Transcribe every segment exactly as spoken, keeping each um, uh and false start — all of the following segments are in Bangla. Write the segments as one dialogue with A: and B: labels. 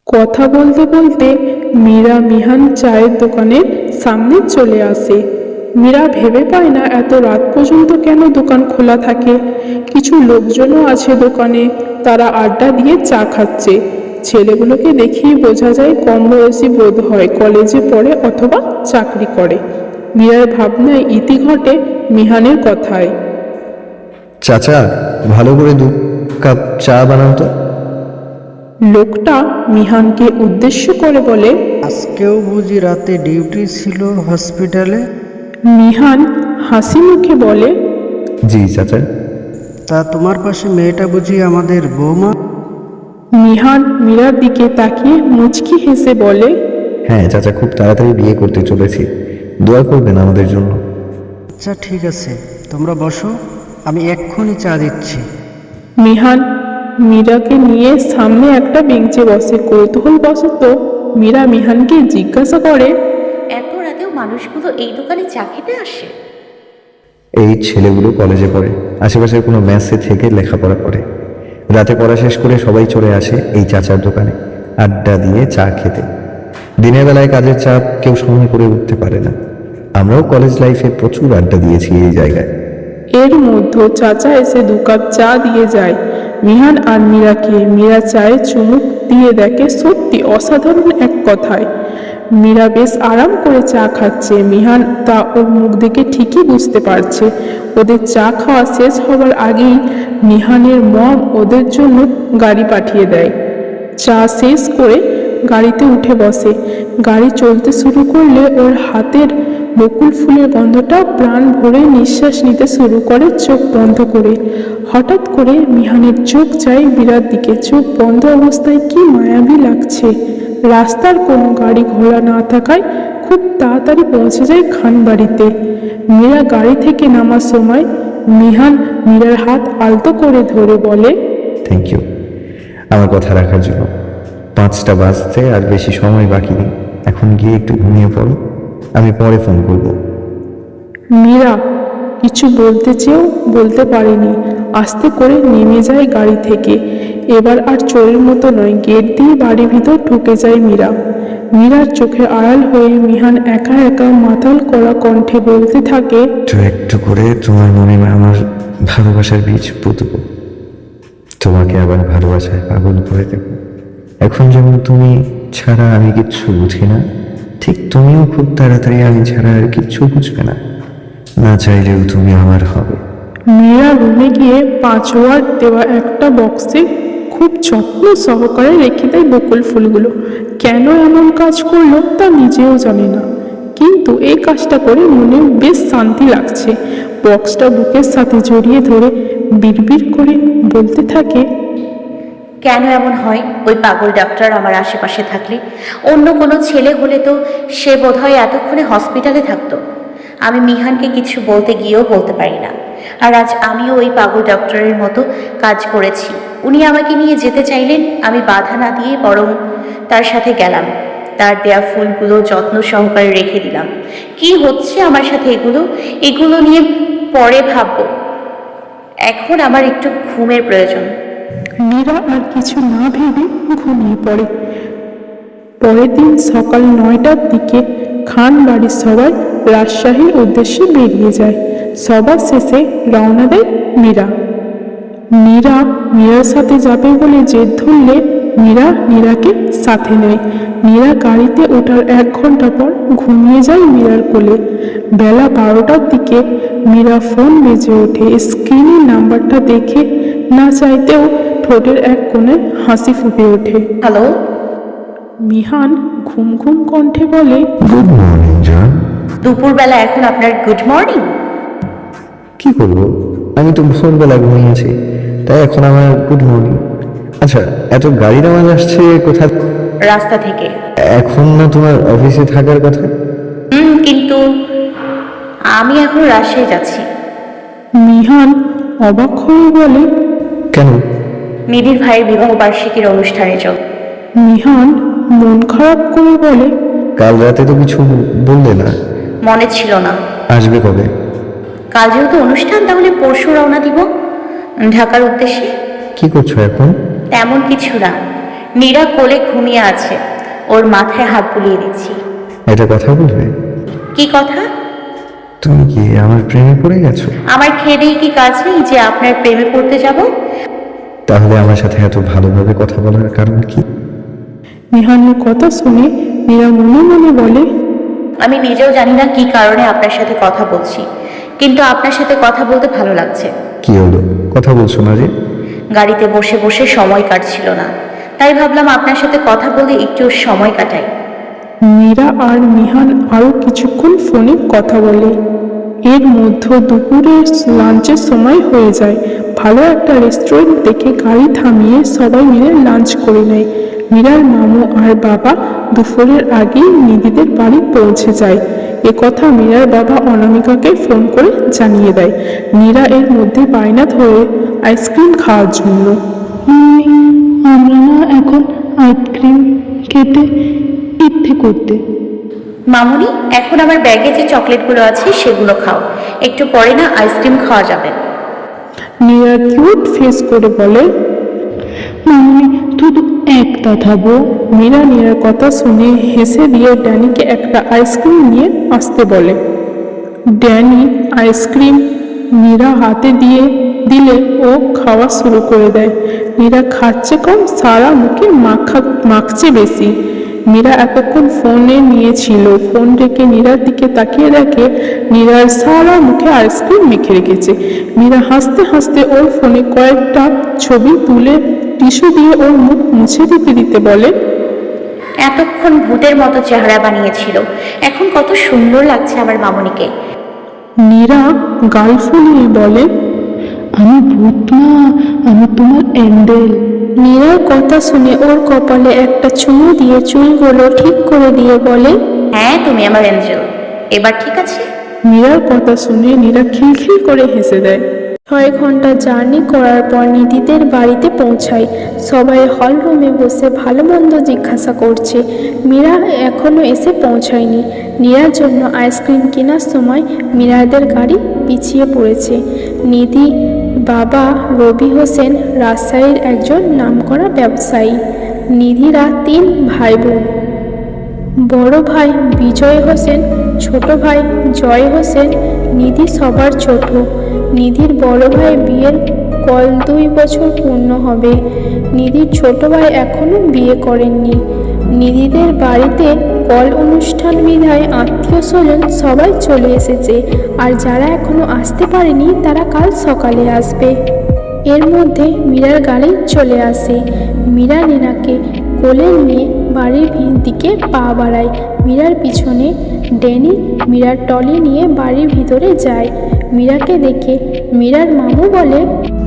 A: কথা বলতে বলতে মীরা মিহান চায়ের দোকানের সামনে চলে আসে। মীরা ভেবে পায় না এত রাত পর্যন্ত কেন দোকান খোলা থাকে। কিছু লোকজনও আছে দোকানে, তারা আড্ডা দিয়ে চা খাচ্ছে। ছেলেগুলোকে দেখেই বোঝা যায় কম বয়সী বোধ হয়, কলেজে পড়ে অথবা চাকরি করে। মীরার ভাবনায় ইতি ঘটে মিহানের কথায়।
B: চাচা, ভালো করে দু কাপ চা বানাও তো।
A: লোকটা মিহানকে উদ্দেশ্য করে বলে,
C: আজকেও বুঝি রাতে ডিউটি ছিল হসপিটালে?
A: মিহান হাসি মুখে বলে,
B: জি চাচা।
C: তা তোমার পাশে মেয়েটা বুঝি আমাদের বৌমা?
A: মিহান মীরার দিকে তাকিয়ে মুচকি হেসে বলে,
B: হ্যাঁ চাচা, খুব তাড়াতাড়ি বিয়ে করতে চলেছি, দোয়া করবেন আমাদের জন্য।
C: আচ্ছা ঠিক আছে, তোমরা বসো, আমি এক্ষুনি চা দিচ্ছি।
A: মিহান মীরাকে নিয়ে সামনে একটা বেঞ্চে বসে। কৌতূহলবশত মীরা মিহানকে জিজ্ঞাসা করে,
D: এত রাতেও মানুষগুলো এই দোকানে চা খেতে আসে?
B: এই ছেলেগুলো কলেজে পড়ে, আশেপাশের কোনো মেসে থেকে লেখাপড়া করে। রাতে পড়া শেষ করে সবাই চলে আসে এই চাচার দোকানে আড্ডা দিয়ে চা খেতে। দিনের বেলায় কাজের চাপ কেউ সময় করে উঠতে পারে না। আমরাও কলেজ লাইফে প্রচুর আড্ডা দিয়েছি এই জায়গায়।
A: এর মধ্যে চাচা এসে দু কাপ চা দিয়ে যায় মিহান আর মীরাকে। মীরা চায়ে চুমুক দিয়ে দেখে সত্যি অসাধারণ এক কথায়। মীরা বেশ আরাম করে চা খাচ্ছে, মিহান তা ওর মুখ দেখে ঠিকই বুঝতে পারছে। ওদের চা খাওয়া শেষ হবার আগেই মিহানের মম ওদের জন্য গাড়ি পাঠিয়ে দেয়। চা শেষ করে গাড়িতে উঠে বসে। গাড়ি চলতে শুরু করলে ওর হাতের বকুল ফুলের গন্ধটা প্রাণ ভরে নিঃশ্বাস নিতে শুরু করে চোখ বন্ধ করে। হঠাৎ করে মিহানের চোখ যায় মীরার দিকে। চোখ বন্ধ অবস্থায় কি মায়াবী লাগছে। রাস্তার কোনো গাড়ি ঘোড়া না থাকায় খুব তাড়াতাড়ি পৌঁছে যায় খানবাড়িতে। মীরা গাড়ি থেকে নামার সময় মিহান মীরার হাত আলতো করে ধরে বলে,
B: থ্যাংক ইউ আমার কথা রাখার জন্য। পাঁচটা বাজতে আর বেশি সময় বাকি নেই, এখন গিয়ে একটু ঘুমিয়ে পড়ো, আমি পরে ফোন করবো।
A: মীরা কিছু বলতে চেয়েও বলতে পারেনি। আস্তে করে নেমে যায় গাড়ি থেকে। এবার আর চোরের মতো নয়, গেট দিয়ে বাড়ির ভিতর ঢুকে যায় মীরা। মীরার চোখে আড়াল হয়ে মিহান একা একা মাতাল করা কণ্ঠে বলতে থাকে,
B: একটু একটু করে তোমার মনে আমার ভালোবাসার বীজ পুঁতব, তোমাকে আবার ভালোবাসায় পাগল করে দেব। এখন যেমন তুমি ছাড়া আমি কিচ্ছু বুঝি না, ঠিক তুমিও খুব তাড়াতাড়ি আমি ছাড়া আর কিচ্ছু বুঝবে না, না চাইলেও তুমি আমার হবে।
A: মীরা রুমে গিয়ে পাঁচ ওয়ার্ড দেওয়া একটা বক্সে খুব যত্ন সহকারে রেখে দেয় বকুল ফুলগুলো। কেন এমন কাজ করলো তা নিজেও জানে না, কিন্তু এই কাজটা করে মনে বেশ শান্তি লাগছে। বক্সটা বুকের সাথে জড়িয়ে ধরে বিড়বিড় করে বলতে থাকে,
D: কেন এমন হয়? ওই পাগল ডাক্তার আমার আশেপাশে থাকলে, অন্য কোনো ছেলে হলে তো সে বোধহয় এতক্ষণে হসপিটালে থাকতো। আমি মিহানকে কিছু বলতে গিয়েও বলতে পারি না। আর আজ আমিও ওই পাগল ডক্টরের মতো কাজ করেছি। উনি আমাকে নিয়ে যেতে চাইলেন, আমি বাধা না দিয়ে বরং তার সাথে গেলাম। তার দেয়া ফুলগুলো যত্ন সহকারে রেখে দিলাম। কি হচ্ছে আমার সাথে এগুলো এগুলো নিয়ে পরে ভাববো। এখন আমার একটু ঘুমের প্রয়োজন।
A: মীরা আর কিছু না ভেবে ঘুমিয়ে পড়ে। পরের দিন সকাল নয়টার দিকে খান বাড়ির সবাই রাজশাহীর উদ্দেশ্যে বেরিয়ে যায়। সবার শেষে রওনা দেয় মীরা। মীরা মীরার সাথে যাবে বলে জেদ ধরলে মীরা মীরাকে সাথে নেয়। মীরা গাড়িতে ওঠার এক ঘন্টা পর ঘুমিয়ে যায় মীরার কোলে। বেলা বারোটার দিকে মীরা ফোন বেজে ওঠে। স্ক্রিনের নাম্বারটা দেখে না চাইতেও ঠোঁটের এক কোণে হাসি ফুটে ওঠে।
D: হ্যালো।
A: মিহান ঘুম ঘুম কণ্ঠে বলে,
B: গুড মর্নিং জান।
D: দুপুরবেলা এখন আপনার গুড মর্নিং?
B: কি করবো, আমি তো ভোরবেলা ঘুমিয়েছি, তাই এখন আমার গুড মর্নিং। আচ্ছা, এত গাড়ির আওয়াজ আসছে কোথা?
D: রাস্তা থেকে।
B: এখন না তোমার অফিসে থাকার কথা?
D: হুম, কিন্তু আমি এখন রাজশাহী যাচ্ছি।
A: মিহান অবাক হয়ে বলে,
B: কেন?
D: নিবিড় ভাইয়ের বিবাহ বার্ষিকীর অনুষ্ঠানে যোগ।
A: মিহান মন খারাপ করে বলে,
B: কাল রাতে তো কিছু বললে না।
D: মনে ছিল না।
B: আসবে কবে?
D: কাল যেহেতু অনুষ্ঠান, তাহলে পরশু রওনা দিব ঢাকার উদ্দেশ্যে।
B: কি করছো এখন?
D: তেমন কিছু না, মীরা কোলে ঘুমিয়ে আছে, ওর মাথায় হাত বুলিয়ে দিচ্ছি।
B: এটা কথা বলবে?
D: কি কথা?
B: তুমি কি আমার প্রেমে পড়ে গেছো?
D: আমার খেদেই কি কাজ নেই যে আপনার প্রেমে পড়তে যাব?
B: তাহলে আমার সাথে এত ভালোভাবে কথা বলার কারণ কি?
A: মিহানের কথা শুনে মীরা মনে মনে বলে,
D: আমি নিজেও জানি না কি কারণে আপনার সাথে কথা বলছি, কিন্তু আপনার সাথে কথা বলতে ভালো লাগছে।
B: কি হলো, কথা বলছো না যে?
D: গাড়িতে বসে বসে সময় কাটছিল না, তাই ভাবলাম আপনার সাথে কথা বলে একটু সময় কাটাই।
A: মীরা আর মিহান আরো কিছুক্ষণ ফোনে কথা বলে। এর মধ্যে দুপুরের লাঞ্চের সময় হয়ে যায়। ভালো একটা রেস্টুরেন্ট দেখে গাড়ি থামিয়ে সবাই মিলে লাঞ্চ করে নেয়। মীরার মামু আর বাবা দুপুরের আগেই নিধিদের বাড়ি পৌঁছে যায়। এ কথা মীরার বাবা অনামিকাকে ফোন করে জানিয়ে দেয়। মীরা এর মধ্যে বায়না ধরে আইসক্রিম খাওয়ার জন্য। আমরা না এখন আইসক্রিম খেতে ইচ্ছে করতে।
D: মামুনি, এখন আমার ব্যাগে যে চকলেটগুলো আছে সেগুলো খাও, একটু পরে না আইসক্রিম খাওয়া যাবে।
A: মীরা কিউট ফেস করে বলে, মামনি শুধু একটা খাবো। মীরা নীরার কথা শুনে হেসে দিয়ে ড্যানিকে একটা আইসক্রিম নিয়ে আসতে বলে। ড্যানি আইসক্রিম মীরা হাতে দিয়ে দিলে ও খাওয়া শুরু করে দেয়। মীরা খাচ্ছে কম, সারা মুখে মাখা মাখছে বেশি। মীরা এতক্ষণ ফোনে নিয়েছিল, ফোন রেখে নীরার দিকে তাকিয়ে দেখে নীরার সারা মুখে আইসক্রিম মেখে রেখেছে। মীরা হাসতে হাসতে ওর ফোনে কয়েকটা ছবি তুলে টিস্যু দিয়ে ওর মুখ মুছে দিতে দিতে বলে,
D: এতক্ষণ ভূতের মতো চেহারা বানিয়েছিল, এখন কত সুন্দর লাগছে আমার মামুনিকে।
A: নীরা গাল ফুলিয়ে বলে, আমি ভূত না, আমি তোমার অ্যান্ডেল। নীরার কথা শুনে ওর কপালে একটা চুমু দিয়ে চুলগুলো ঠিক করে দিয়ে বলে,
D: হ্যাঁ তুমি আমার এঞ্জেল, এবার ঠিক আছে।
A: মীরার কথা শুনে নীরা খিলখিল করে হেসে দেয়। ছয় ঘন্টা জার্নি করার পর নিধিদের বাড়িতে পৌঁছায়। সবাই হল রুমে বসে ভালো মন্দ জিজ্ঞাসা করছে। মীরা এখনো এসে পৌঁছায়নি। নীরার জন্য আইসক্রিম কেনার সময় মীরাদের গাড়ি পিছিয়ে পড়েছে। নিধি বাবা রবি হোসেন রাজশাহীর একজন নামকরা ব্যবসায়ী। নিধিরা তিন ভাই বোন। বড় ভাই বিজয় হোসেন, ছোট ভাই জয় হোসেন, নিধি সবার ছোট। নিধির বড় ভাই বিয়ের কল দুই বছর পূর্ণ হবে। নিধির ছোট ভাই এখনো বিয়ে করেননি। নিধিদের বাড়িতে কল অনুষ্ঠান বিধায় আত্মীয় স্বজন সবাই চলে এসেছে, আর যারা এখনো আসতে পারেনি তারা কাল সকালে আসবে। এর মধ্যে মীরার গাড়ি চলে আসে। মীরা নীরাকে কোলে নিয়ে বাড়ির দিকে পা বাড়ায়। মীরার পিছনে ড্যানি মীরার টলি নিয়ে বাড়ির ভিতরে যায়। মীরাকে দেখে মীরার মামু বলে,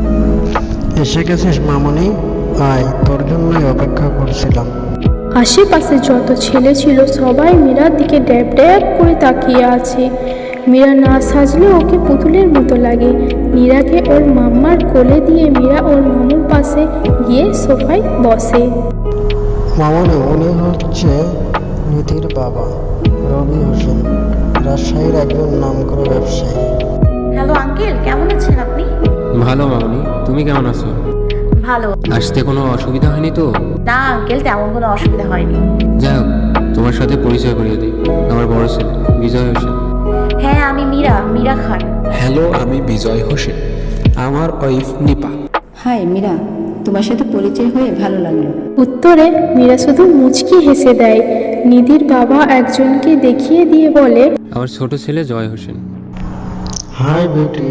C: এসে গেছিস মামনি, আয়, তোর জন্যই অপেক্ষা করছিলাম।
A: আশেপাশে যত ছেলে ছিল সবাই মীরার দিকে ড্যাব ড্যাব করে তাকিয়ে আছে। মীরা না সাজলে ওকে পুতুলের মতো লাগে। মীরাকে ওর মাম্মার কোলে দিয়ে মীরা ওর মামুর পাশে গিয়ে সোফায় বসে।
C: মামনি, উনি হচ্ছে নিধির বাবা রবি হোসেন, রাজশাহীর একজন নামকরা ব্যবসায়ী।
D: হ্যালো আঙ্কেল, কেমন আছেন আপনি?
E: ভালো মামনি, তুমি কেমন আছো?
D: ভালো।
E: আসতে কোনো অসুবিধা হয়নি তো?
D: না আঙ্কেল, তেমন কোনো অসুবিধা হয়নি।
E: যাই হোক, তোমার সাথে পরিচয় করিয়ে দিই, আমার বড় ছেলে বিজয় হোসেন।
D: হ্যাঁ আমি মীরা, মীরা খান।
F: হ্যালো, আমি বিজয় হোসেন, আমার ওয়াইফ নিপা।
G: হাই মীরা, তোমার সাথে পরিচয় হয়ে ভালো লাগলো।
A: উত্তরে মীরা শুধু মুচকি হেসে দেয়। নিধির বাবা একজনকে দেখিয়ে দিয়ে বলে,
E: আমার ছোট ছেলে জয় হোসেন।
C: হাই বেটি।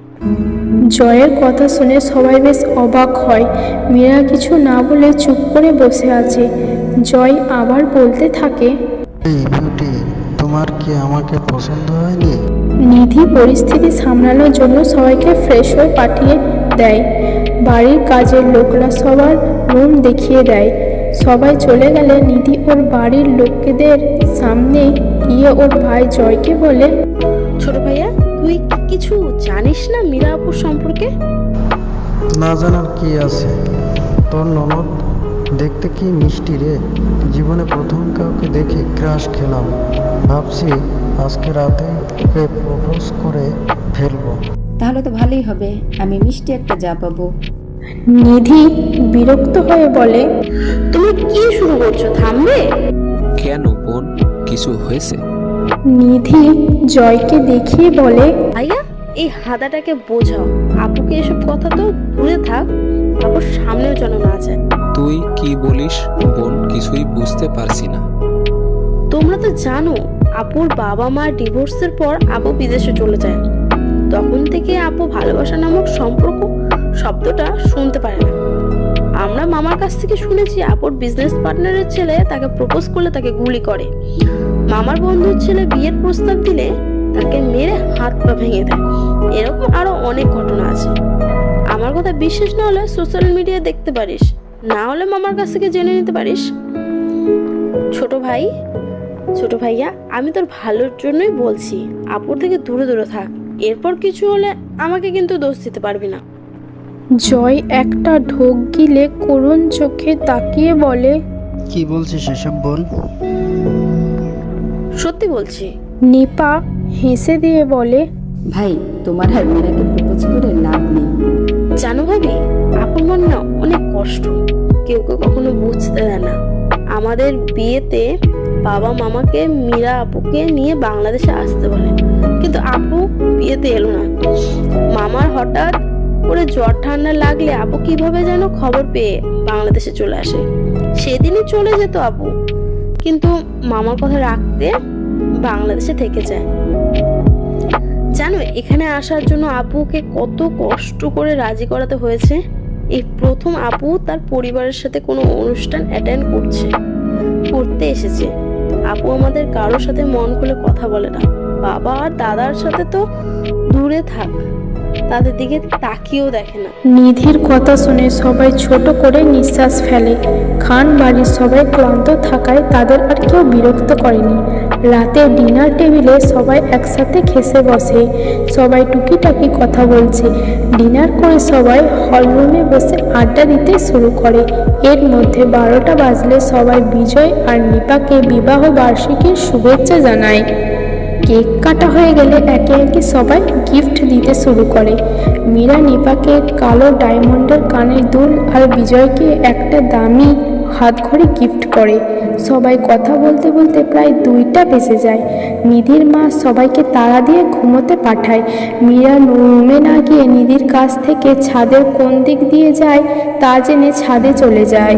A: জয়ের কথা শুনে সবাই বেশ অবাক হয়। মীরা কিছু না বলে চুপ করে বসে আছে। জয় আবার বলতে থাকে,
C: এই বিউটি, তোমার কি আমাকে পছন্দ হয়নি?
A: নিধি পরিস্থিতি সামলানোর জন্য সবাইকে ফ্রেশ হয়ে পাঠিয়ে দেয়। বাড়ির কাজের লোকরা সবার রুম দেখিয়ে দেয়। সবাই চলে গেলে নিধি ওর বাড়ির লোকেদের সামনে গিয়ে ওর ভাই জয়কে বলে,
H: ছোট ভাইয়া, তুই কিছু জানিস না মীরা আপুর সম্পর্কে?
C: না জানার কি আছে, তোর ননদ দেখতে কি মিষ্টি রে। জীবনে প্রথম কাউকে দেখে ক্রাশ খেলাম। ভাবছি আজকে রাতে ওকে প্রপোজ করে ফেলবো।
G: তাহলে তো ভালোই হবে, আমি মিষ্টি একটা যা পাবো।
A: নিধি বিরক্ত হয়ে বলে,
H: তুমি কি শুরু করছো, থামবে?
F: কেন বোন, কিছু হয়েছে?
A: নিধি জয়কে দেখিয়ে বলে,
H: ভাইয়া এই হাদাটাকে বোঝাও, আপুকে এসব কথা তো দূরে থাক, আপুর সামনেও যেন না যায়।
F: তুই কি বলিস বোন, কিছুই বুঝতে পারছি না।
H: তোমরা তো জানো আপুর বাবা মা ডিভোর্সের পর আপু বিদেশে চলে যায়। তখন থেকে আপু ভালোবাসা নামক সম্পর্ক শব্দটা শুনতে পারে না। আমরা মামার কাছ থেকে শুনেছি আপুর বিজনেস পার্টনারের ছেলে তাকে প্রপোজ করলে তাকে গুলি করে, মামার বন্ধুর ছেলে বিয়ের প্রস্তাব দিলে তাকে মেরে হাত পা ভেঙে দেয়। এরকম আরো অনেক ঘটনা আছে। আমার কথা বিশ্বাস না হলে সোশ্যাল মিডিয়ায় দেখতে পারিস, না হলে মামার কাছ থেকে জেনে নিতে পারিস। ছোট ভাই, ছোট ভাইয়া, আমি তোর ভালোর জন্যই বলছি, আপুর থেকে দূরে দূরে থাক। এরপর কিছু হলে আমাকে কিন্তু দোষ দিতে পারবি না।
A: জয় একটা ঢোক গিলে করুণ চোখে তাকিয়ে বলে,
C: কি বলছিস সেসব বল।
H: সত্যি বলছি।
A: নিপা হেসে দিয়ে বলে,
G: ভাই তোমার আর মীরাকে প্রপোজ করে লাভ নেই।
H: জানো ভাবি, আপুর মন না অনেক কষ্ট, কেউ কেউ কখনো বুঝতে দেয় না। আমাদের বিয়েতে বাবা মামাকে মীরা আপুকে নিয়ে বাংলাদেশে আসতে বলে, কিন্তু আপু বিয়েতে এলো না। মামার হঠাৎ করে জ্বর ঠান্ডা লাগলে আপু কিভাবে যেন খবর পেয়ে বাংলাদেশে চলে আসে। সেদিনই চলে যেত আপু, কিন্তু মামার কথা রাখতে বাংলাদেশে থেকে যায়। জানো এখানে আসার জন্য আপুকে কত কষ্ট করে রাজি করাতে হয়েছে। এই প্রথম আপু তার পরিবারের সাথে কোনো অনুষ্ঠান অ্যাটেন্ড করছে করতে এসেছে। আপু আমাদের কারোর সাথে মন খুলে কথা বলে না, বাবা আর দাদার সাথে তো দূরে থাক, তাদের দিকে তাকিয়েও দেখে না।
A: নিধির কথা শুনে সবাই ছোট করে নিঃশ্বাস ফেলে। খান বাড়ির সবাই ক্লান্ত থাকায় তাদের আর কেউ বিরক্ত করেনি। রাতে ডিনার টেবিলে সবাই একসাথে খেসে বসে, সবাই টুকিটাকি কথা বলছে। ডিনার করে সবাই হলরুমে বসে আড্ডা দিতে শুরু করে। এর মধ্যে বারোটা বাজলে সবাই বিজয় আর নিপাকে বিবাহ বার্ষিকীর শুভেচ্ছা জানায়। কেক কাটা হয়ে গেলে একে একে সবাই গিফট দিতে শুরু করে। মীরা নিপাকে কালো ডায়মন্ডের কানের দুল আর বিজয়কে একটা দামি হাতঘড়ি গিফট করে। সবাই কথা বলতে বলতে প্রায় দুইটা বেজে যায়। নিধির মা সবাইকে তাড়া দিয়ে ঘুমোতে পাঠায়। মীরা রুমে না গিয়ে নিধির কাছ থেকে ছাদের কোন দিক দিয়ে যায় তা জেনে ছাদে চলে যায়।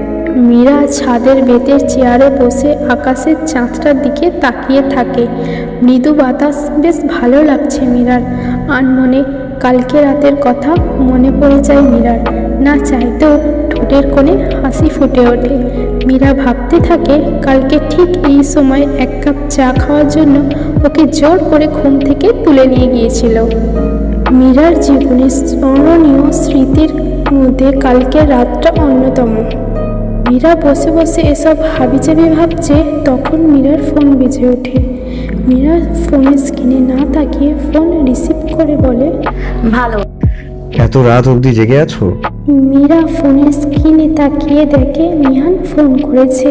A: মীরা ছাদের বেতের চেয়ারে বসে আকাশের চাঁদটার দিকে তাকিয়ে থাকে। মৃদু বাতাস বেশ ভালো লাগছে মীরার। আনমনে কালকে রাতের কথা মনে পড়ে যায় মীরার। না চাইতেও ঠোঁটের কোণে হাসি ফুটে ওঠে। মীরা ভাবতে থাকে কালকে ঠিক এই সময় এক কাপ চা খাওয়ার জন্য ওকে জোর করে ঘুম থেকে তুলে নিয়ে গিয়েছিল। মীরার জীবনের স্মরণীয় স্মৃতির মধ্যে কালকের রাতটা অন্যতম। মীরা বসে বসে এসব হাবিজাবি ভাবছে, তখন মীরার ফোন বেজে ওঠে। মীরা ফোনের স্ক্রিনে না তাকিয়ে ফোন রিসিভ করে বলে,
D: ভালো।
B: এত রাত অবধি জেগে আছো?
A: মীরা ফোনের স্ক্রিনে তাকিয়ে দেখে মিহান ফোন করেছে।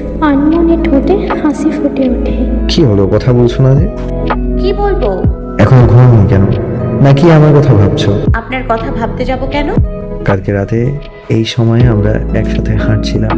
A: আনমনে ঠোঁটে হাসি ফুটে ওঠে।
B: কি হলো, কথা বলছো না যে?
D: কি বলবো?
B: এখন ঘুমানো কেন? নাকি আমার কথা ভাবছো?
D: আপনার কথা ভাবতে যাব কেন?
B: কালকে রাতে এই সময়ে আমরা একসাথে হাঁটছিলাম,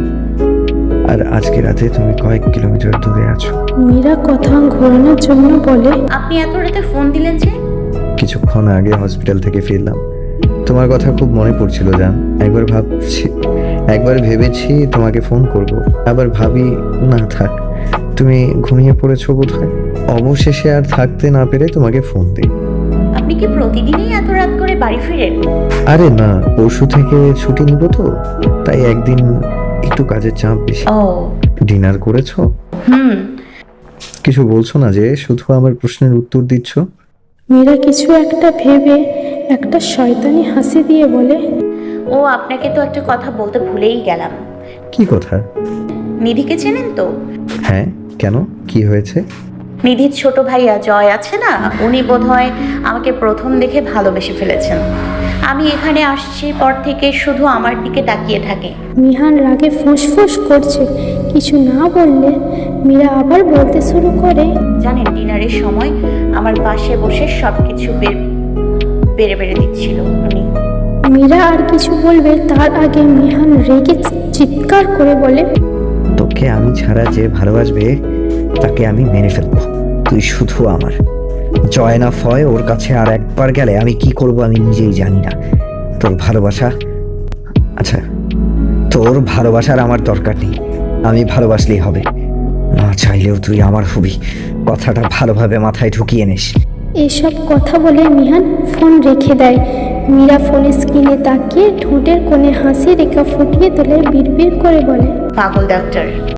B: আর আজকে রাতে তুমি কয়েক কিলোমিটার দূরে আছো।
A: মীরা কথা ঘোরানোর জন্য বলে,
D: আপনি এত রাতে ফোন দিলেন যে?
B: কিছুক্ষণ আগে হসপিটাল থেকে ফিরলাম, তোমার কথা খুব মনে পড়ছিল জান। একবার ভাবছি একবার ভেবেছি তোমাকে ফোন করব, আবার ভাবি না থাক, তুমি ঘুমিয়ে পড়েছো বোধহয়। অবশেষে আর থাকতে না পেরে তোমাকে ফোন দিই।
D: আপনি কি প্রতিদিনই এত রাত করে বাড়ি ফিরেন?
B: আরে না, পরশু থেকে ছুটি নিব তো, তাই একদিন একটু কাজের চাপ বেশি।
D: ও,
B: ডিনার করেছো?
D: হুম।
B: কিছু বলছো না যে, শুধু আমার প্রশ্নের উত্তর দিচ্ছ?
A: মীরা কিছু একটা ভেবে একটা শয়তানি হাসি দিয়ে বলে,
D: ও, আপনাকে তো একটা কথা বলতে ভুলেই গেলাম।
B: কি কথা?
D: নিধিকে চেনেন তো?
B: হ্যাঁ, কেন, কি হয়েছে?
D: নিধির ছোট ভাইয়া জয় আছে না, উনি বোধহয় আমাকে প্রথম দেখে ভালোবেসে ফেলেছেন। আমি এখানে আসছি পর থেকে শুধু আমার দিকে তাকিয়ে থাকে।
A: মিহান রাগে ফুঁসফুস করছে। কিছু না বললে মীরা আবার বলতে শুরু করে,
D: জানেন, ডিনারের সময় আমার পাশে বসে সব কিছু বের বেড়ে বেড়ে দিচ্ছিল উনি।
I: মীরা আর কিছু বলবে তার আগে মিহান রেগে চিৎকার করে বলে,
B: তোকে আমি ছাড়া যে ভালোবাসবে তাকে আমি মেনে ফেলবো। তুই শুধু আমার। জয় না ফয়, ওর কাছে আর একবার গেলে আমি কি করব আমি নিজেই জানি না। তোর ভালোবাসা, আচ্ছা তোর ভালোবাসার আমার দরকার নেই, আমি ভালোবাসলেই হবে। না চাইলেও তুই আমার হবি, কথাটা ভালোভাবে মাথায় ঢুকিয়ে নিস।
I: এসব কথা বলে মিহান ফোন রেখে দেয়। মীরা ফোনের স্ক্রিনে তাকিয়ে ঠোঁটের কোণে হাসি রেখা ফুটিয়ে তোলে, বিড়বিড় করে বলে,
D: পাগল ডাক্তার